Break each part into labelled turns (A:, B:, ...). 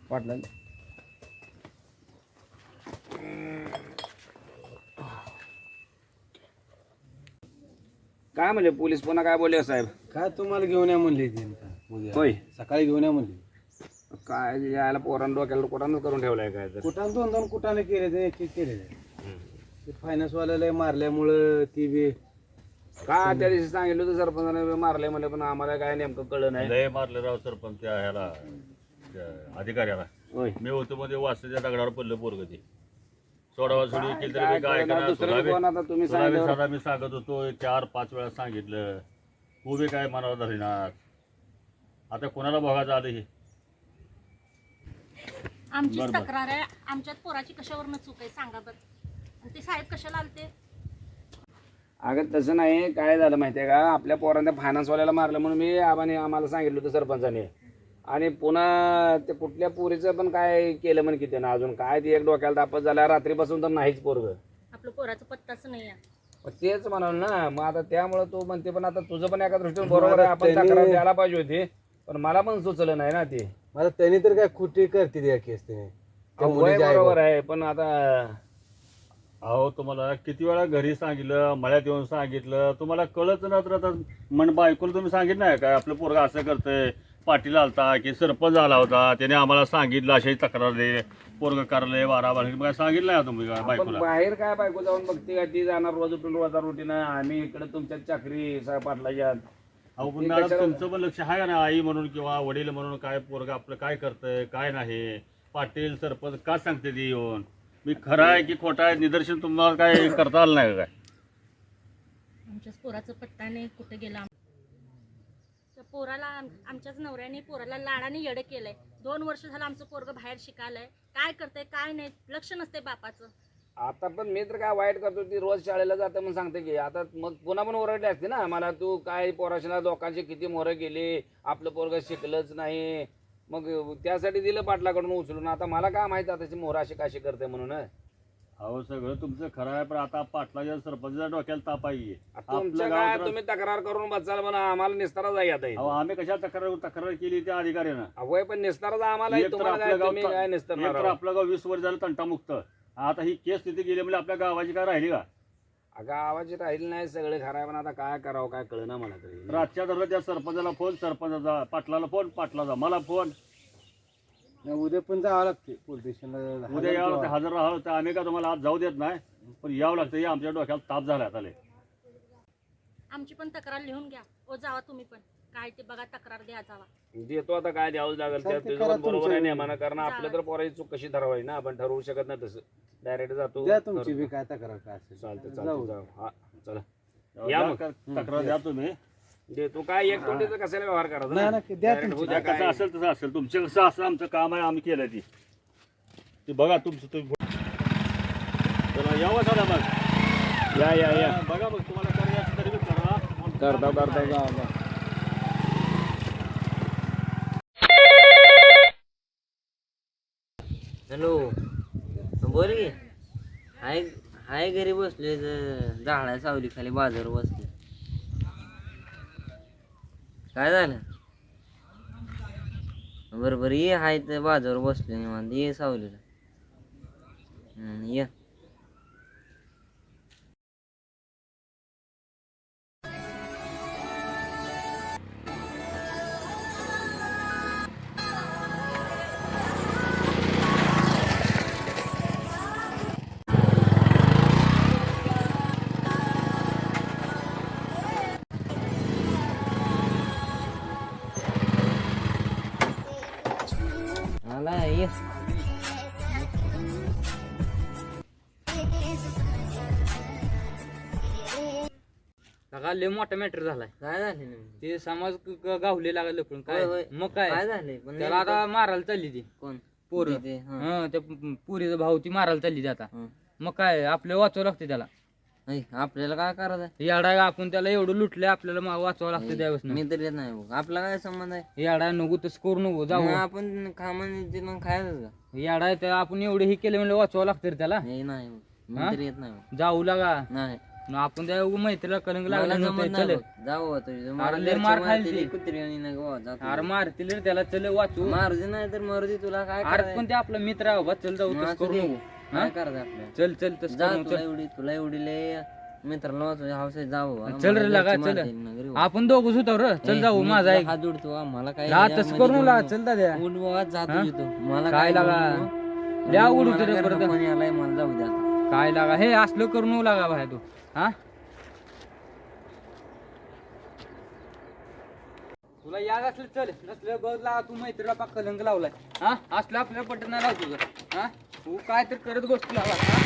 A: वाटलं काय म्हणले पोलीस पुन्हा काय बोलले साहेब?
B: काय तुम्हाला घेऊन या म्हणली ती उद्या
A: होय
B: सकाळी घेऊन या म्हणली.
A: काय यायला पोरांना डोक्याला कुठानच करून ठेवलाय काय तर.
B: कुठाने दोन दोन कुठाने केले ते एक एक केले ते फायनान्स वाल्याला मारल्यामुळं ती बी
A: का त्या दिवशी सांगितलं होतं सरपंचाने मारले म्हणले पण आम्हाला काय नेमकं कळलं नाही.
C: लय मारले राव सरपंच त्या ह्याला त्या अधिकाऱ्याला.
A: होय
C: मी होतो मध्ये वाचल्याच्या दगडावर पडलं पोरग ते सोडावा सोडी केली तरी
A: काय
C: मी काय
A: कळलं,
C: करणार
A: दुसरं कोण आता तुम्ही सांगितल्यावर-
C: साधा मी सांगत होतो 4-5 वेळा सांगितलं तू बी काय मनावर धरणार. आता कोणाला बघायचं आलं हे
D: आमची
C: बरोबर.
D: तक्रार आहे आमच्यात पोराची कशावरनं चूक आहे सांगा बरं. आणि ते साहेब कशाला आलते?
A: अगं तसं नाही, काय झालं माहितीये का, आपल्या पोरांना फायनान्सवाल्याला मारलं म्हणून मी आम्हाला सांगितलं होतं सरपंचाने. आणि पुन्हा ते कुठल्या पोरीचं पण काय केलं म्हण किती ना अजून काय ती एक डोक्याला तापत झाला रात्रीपासून तर नाहीच पोरग.
D: आपलं पोराचं पत्ताच नाही आहे.
A: तेच म्हणाल ना मग आता त्यामुळे तू म्हणते पण आता तुझं पण एका दृष्टीने बरोबर आहे, आपण तक्रार द्यायला पाहिजे होती पण मला पण सुचलं नाही ना ते.
B: मला त्यांनी तर काय कुठे करते त्या केस त्याने त्या
A: वय
B: मुलीच्या आई
A: बरोबर आहे पण आता
C: अहो तुम्हाला किती वेळा घरी सांगितलं मळ्यात येऊन सांगितलं तुम्हाला कळत ना. तर आता मन बायकोला तुम्ही सांगितलं नाही काय आपलं पोरगा असं करतंय. पाटील आलता की सरपंच आला होता त्याने आम्हाला सांगितलं अशी तक्रार दे पोरग करले 12 काय सांगितलं नाही तुम्ही काय
A: आपण
C: बायकोला.
A: बाहेर काय बायको जाऊन बघते का ती जाणार रोज उठून रोजा रुटीन आम्ही इकडे तुमच्या चाकरी पाटलाच्या.
C: अहो पण मॅडम तुमचं पण लक्ष आहे ना आई म्हणून किंवा वडील म्हणून काय पोरगा आपलं काय करतंय काय नाही. पाटील सरपंच का सांगते ती येऊन मी खरं आहे की खोटा आहे निदर्शन तुम्हाला काय करता आलं नाही काय.
D: आमच्याच पोराचं पत्ता नाही कुठे गेला. त्या पोराला आमच्याच नवऱ्याने पोराला लाडाने येडं केलंय. 2 वर्ष झालं आमचं पोरगं बाहेर शिकायलंय. काय करतंय काय नाही लक्ष नसते बापाचं.
A: आता पण मी तर काय वाईट करतो ती रोज शाळेला जाते म्हणून सांगते की आता मग पुन्हा पण ओरडली असते ना मला तू काय पोराशीला लोकांची किती मोहरं गेली आपलं पोरगं शिकलंच नाही. मग त्यासाठी दिलं पाटलाकडून उचलून. आता मला काय माहिती आता मोहर अशी काशी करते म्हणून.
C: अहो सगळं तुमचं खरं आहे पण आता पाटलाच्या सरपंचाच्या डोक्याला ताप आहे.
A: तुमच्या काय तुम्ही तक्रार करून बसाल म्हणा आम्हाला निस्तारा जाई आता
C: अहो आम्ही कशा तक्रार केली त्या अधिकाऱ्यानं.
A: अवय पण निस्तारा आम्हाला
C: एक तर
A: तुम्हाला काय
C: आपलं
A: तुम्ही काय
C: गाव
A: निस्तारणार
C: एक तर
A: आहोत?
C: आपलं गाव 20 वर्ष झालं तंटामुक्त. आता ही केस तिथे गेली म्हणजे आपल्या गावाची काय राहिली का.
A: अगं आवाज राहील नाही सगळे खरं आहे पण आता काय करावं काय कळना मला तरी.
C: रातच्या धरलं त्या सरपंचाला फोन सरपंचाचा पाटलाला फोन पाटलाचा मला फोन.
B: उद्या पण जावं लागते पोलीस स्टेशनला.
C: उद्या यावं लागतं हजर राहावं लागतं. आम्ही का तुम्हाला आज जाऊ देत नाही पण यावं लागतं. हे आमच्या डोक्याला ताप झाला आता लय.
D: आमची पण तक्रार लिहून घ्या. ओ जावा तुम्ही पण काय ते बघा तक्रार द्या जावा.
A: देतो आता काय द्यावंच लागेल त्या
B: चालतंय,
A: तुझं
B: करा
A: पण बरोबर आहे
B: तुमचं.
A: नेमानं कारण आपलं तर पोराची चूक कशी ठरवायची ना आपण ठरवू शकत नाही तसं डायरेक्ट जातो.
B: द्या तुमची बी काय तक्रार काय असेल.
A: चालतं
B: जाऊ.
A: चालतं जाऊ हा चला
C: द्या
A: या मग.
C: तक्रार द्या तुम्ही.
A: दे तू काय एक तोंडीचं कशाला व्यवहार करायचा
B: नाही,
A: ना?
B: नाही, द्या
A: Direct
B: तुमची.
A: उद्या
C: कसं
A: काय
C: असेल तसं असेल तुमचं कसं असं आमचं काम आहे आम्ही केलं ती बघा तुमचं तुम्ही चला यावं चला मग
A: या या या
C: बघा मग तुम्हाला करायचं तरी बी करा.
A: करता जा जा.
E: हॅलो बोल की हाय हाय घरी बसले झाडा सावली खाली बाजार बसले. काय झालं बरोबर ये हाय तर बाजावर बसले निवांत ये सावलीला. ये आला ये
F: लगा लय मोठा मॅटर झालाय.
E: काय झालं नेमकं?
F: ते समाज गावले लागले लपून काय
E: होय, होय.
F: मग काय
E: काय झालंय पण
F: त्याला आता मारायला चालली ती
E: कोण
F: पोरं.
E: ते, हं.
F: हं त्या पुरीचा भाऊ ती मारायला चालली ती आता.
E: हं.
F: मग काय आपलं वाचवावं लागतं त्याला.
E: ऐ, आपल्याला काय करायचं
F: याडा आपण त्याला एवढं लुटलंय आपल्याला वाचवावं लागतं त्यावेळेस.
E: मी तर येत नाही बघ. आपला काय संबंध आहे.
F: याडा नको तसं करू नको
E: मग
F: जाऊ.
E: आपण खामाने मग खायचं का.
F: याडा आहे त्या आपण एवढं हे केलं म्हणजे वाचवावं लागतं रे त्याला.
E: नाही नाही बघ. मी
F: हा?
E: तर येत नाही बघ.
F: जाऊ लागा
E: नाही
F: मग आपण त्या मैत्रीला कलंग
E: मला
F: लागला
E: जमत
F: नव्हतं.
E: नाही
F: चल
E: बघ. जाऊ बा तुझं. मला
F: अरे लय
E: घरचे
F: मार
E: मारतील,
F: खायची.
E: कुत्री आणि नाही बाबा, जा तू.
F: अरे मारतील रे त्याला, चल वाचू.
E: मारू दे नाही तर मारू दे, तुला काय
F: अरे
E: करायचं?
F: पण ते आपला मित्र आहे बाबा, चल जाऊ,
E: मग
F: तसं
E: असू
F: करू
E: दे.
F: नको. हा?
E: काय करायचं आपल्याला?
F: चल चल तसं
E: जा,
F: करू नको, चल.
E: तुला एवढी लय मित्राला वाचवायची हौस आहे, जा बाबा.
F: चल रे
E: मला
F: लगा,
E: घरचे
F: चल.
E: मारतील ना घरी बाबा.
F: आपण दोघंच होतो रे, चल
E: ए,
F: जाऊ,
E: मी
F: माझा
E: तुला
F: ऐक.
E: हात जोडतो हा, मला काय
F: ला
E: यामध्ये
F: तसं करू
E: बोलू
F: लागा,
E: नको.
F: चल दाद्या.
E: उठ बाबा, जा
F: हा?
E: तुझी तू. मला
F: काय लागा?
E: बोलू नको.
F: लय अवघड
E: मला
F: होतं रे
E: घरनं
F: परत.
E: फोन यायलाय, मला जाऊ दे आता.
F: काय लागा, हे असलं करू नको लागा बाहेर तू. हा तुला याद असलं चल, नसलं बघ लागा, तू मैत्रीला पाक कलंक लावलाय. हा असलं आपल्याला पटत नाही लाव तुझं. हा तू काय तर करत गोष्टी लावा. हा?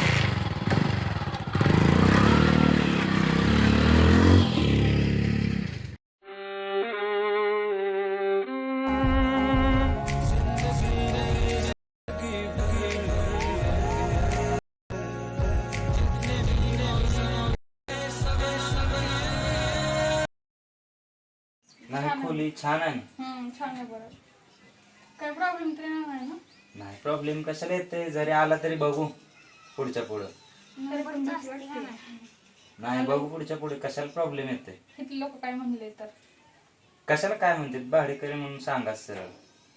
G: नाही खोली छान आहे.
H: छान आहे बरं. काय प्रॉब्लेम तरी नाही ना?
G: नाही प्रॉब्लेम कशाला येते, जरी आला तरी बघू पुढच्या पुढं.
H: तरी पण भीती वाटते.
G: नाही बघू पुढच्या पुढे, कशाला प्रॉब्लेम येते.
H: किती लोक काय म्हणले तर
G: कशाला काय म्हणते, भाडेकरी म्हणून सांगा सरळ.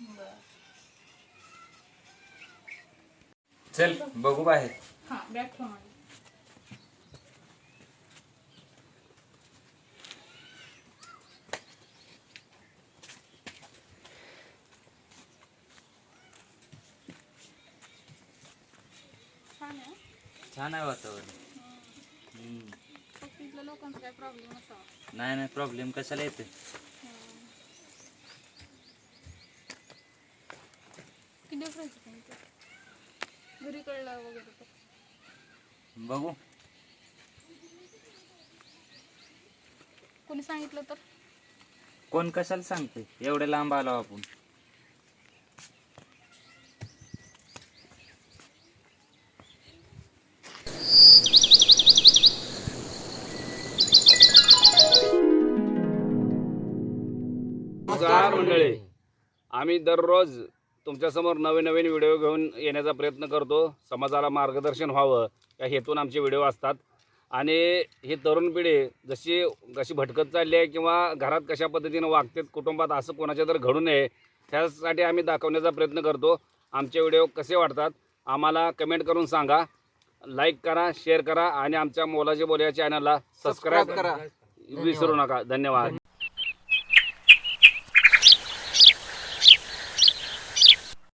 G: चल बघू बाहेर.
H: हा बॅग ठेवून आली. छान आहे.
G: छान आहे वातावरण.
H: फक्त इथल्या लोकांचा काय प्रॉब्लेम असावा.
G: नाही नाही प्रॉब्लेम कशाला येते.
H: किती दिवस राहायचं पण इथे? घरी कळलं वगैरे तर
G: बघू
H: कोणी सांगितलं तर
G: कोण कशाला सांगते, एवढे लांब आलो आपण.
A: नमस्कार मंडळी, आम्ही दररोज तुमच्यासमोर नवीन नवीन व्हिडिओ घेऊन येण्याचा प्रयत्न करतो. समाजाला मार्गदर्शन व्हावं या हेतून आमचे व्हिडिओ असतात. आणि ही तरुण पिढी कशी भटकत चालली आहे किंवा घरात कशा पद्धतीनं वागतात, कुटुंबात असं कोणाच्या तर घडू नये त्यासाठी आम्ही दाखवण्याचा प्रयत्न करतो. आमचे व्हिडिओ कसे वाटतात आम्हाला कमेंट करून सांगा. लाईक करा, शेअर करा आणि आमच्या मोलाचे बोल या चॅनलला सबस्क्राईब करा विसरू नका. धन्यवाद.